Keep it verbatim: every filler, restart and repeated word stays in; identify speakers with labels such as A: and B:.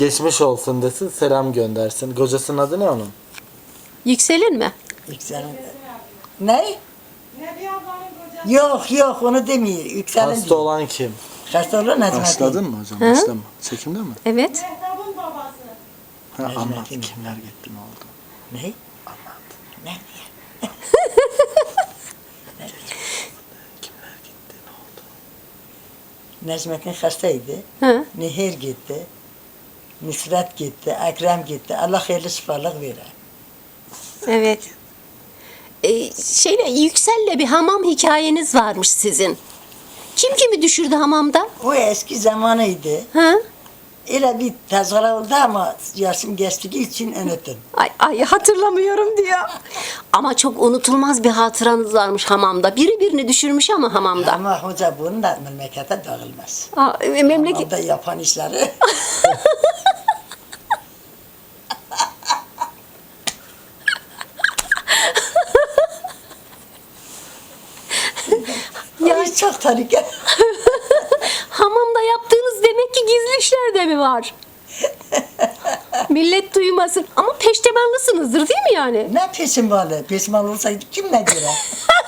A: Geçmiş olsun desin, selam göndersin. Kocasının adı ne onun?
B: Yükselin mi?
C: Yükselin. Ne? Yok yok onu demiyor. Yükselin
A: Hasta
C: diyor.
A: olan kim?
C: Hasta olan Necmettin.
A: Başladın mı hocam?
B: Hı?
A: Başlama. Çekimde mi?
B: Evet.
D: Mehtap'ın babası.
A: Ha,
C: Necmettin
A: anlat.
C: mi?
A: Kimler gitti, ne oldu?
C: Ne?
A: Anlat.
C: Ne?
A: Kimler gitti, ne oldu?
C: Necmettin hastaydı.
B: Hı.
C: Nehir gitti. Nusret gitti. Ekrem gitti. Allah hayırlı şifalık verir.
B: Evet. Ee, şeyle Yüksel'le bir hamam hikayeniz varmış sizin. Kim kimi düşürdü hamamda?
C: O eski zamanıydı.
B: Hı?
C: Öyle bir tezgara oldu ama yaşım geçtiği için unuttum.
B: Ay, ay hatırlamıyorum diyor. Ama çok unutulmaz bir hatıranız varmış hamamda. Biri birini düşürmüş ama hamamda.
C: Ama hoca bunun da memlekete dağılmaz.
B: Aa, e, memleket...
C: Hamamda yapan işleri. Yani çok tarike.
B: Hamamda yaptığınız demek ki gizli işler de mi var? Millet duymasın. Ama peştemalısınızdır değil mi yani?
C: Ne peşin balı? Peşin balı olsaydı kim ne göre?